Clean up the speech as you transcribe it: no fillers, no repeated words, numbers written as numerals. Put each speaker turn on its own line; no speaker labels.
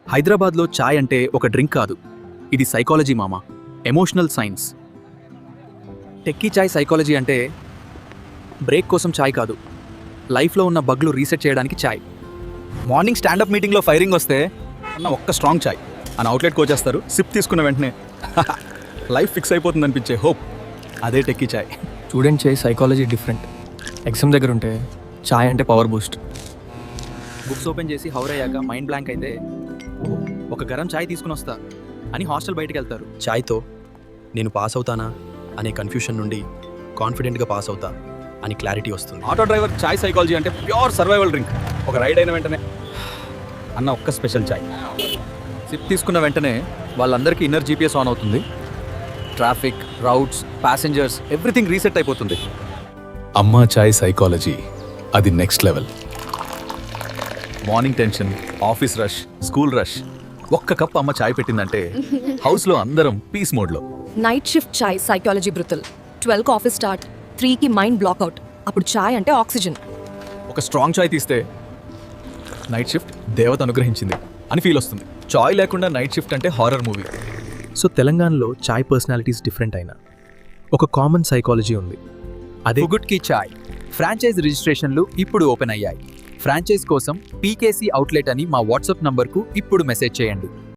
హైదరాబాద్లో చాయ్ అంటే ఒక డ్రింక్ కాదు, ఇది సైకాలజీ మామా, ఎమోషనల్ సైన్స్. టెక్కీ చాయ్ సైకాలజీ అంటే బ్రేక్ కోసం చాయ్ కాదు, లైఫ్లో ఉన్న బగ్లు రీసెట్ చేయడానికి చాయ్. మార్నింగ్ స్టాండప్ మీటింగ్లో ఫైరింగ్ వస్తే అన్న ఒక్క స్ట్రాంగ్ చాయ్ అని అవుట్లెట్కి వచ్చేస్తారు. సిప్ తీసుకున్న వెంటనే లైఫ్ ఫిక్స్ అయిపోతుంది అనిపించే హోప్, అదే టెక్కీ చాయ్.
స్టూడెంట్ చాయ్ సైకాలజీ డిఫరెంట్. ఎగ్జామ్ దగ్గర ఉంటే చాయ్ అంటే పవర్ బూస్ట్.
బుక్స్ ఓపెన్ చేసి హౌర్ అయ్యాక మైండ్ బ్లాంక్ అయితే ఒక గరం చాయ్ తీసుకుని వస్తా అని హాస్టల్ బయటకు వెళ్తారు.
చాయ్తో నేను పాస్ అవుతానా అనే కన్ఫ్యూషన్ నుండి కాన్ఫిడెంట్గా పాస్ అవుతా అని క్లారిటీ వస్తుంది.
ఆటో డ్రైవర్ చాయ్ సైకాలజీ అంటే ప్యూర్ సర్వైవల్ డ్రింక్. ఒక రైడ్ అయిన వెంటనే అన్న ఒక్క స్పెషల్ చాయ్ సిప్ తీసుకున్న వెంటనే వాళ్ళందరికీ ఇన్నర్ జీపీఎస్ ఆన్ అవుతుంది. Traffic, routes, passengers everything reset అయిపోతుంది.
అమ్మా చాయ్ సైకాలజీ అది next level.
Morning tension, office rush, school rush, ఒక్క కప్ అమ్మ చాయ్ పెట్టిందంటే హౌస్లో అందరం పీస్ మోడ్లో.
నైట్ షిఫ్ట్ చాయ్ సైకాలజీ బ్రుతల్. 12కి ఆఫీస్ స్టార్ట్, 3కి మైండ్ బ్లాక్అవుట్. అప్పుడు చాయ్ అంటే ఆక్సిజన్.
ఒక స్ట్రాంగ్ చాయ్ తీస్తే నైట్ షిఫ్ట్ దేవత అనుగ్రహించింది అని ఫీల్ వస్తుంది. చాయ్ లేకుండా నైట్ షిఫ్ట్ అంటే హారర్ మూవీ.
సో తెలంగాణలో చాయ్ పర్సనాలిటీస్ డిఫరెంట్ అయినా ఒక కామన్ సైకాలజీ ఉంది. అదే
గుడ్ కి చాయ్ ఫ్రాంచైజ్ రిజిస్ట్రేషన్లు ఇప్పుడు ఓపెన్ అయ్యాయి. ఫ్రాంచైజ్ కోసం పీకేసీ అవుట్లెట్ అని మా వాట్సాప్ నంబర్కు ఇప్పుడు మెసేజ్ చేయండి.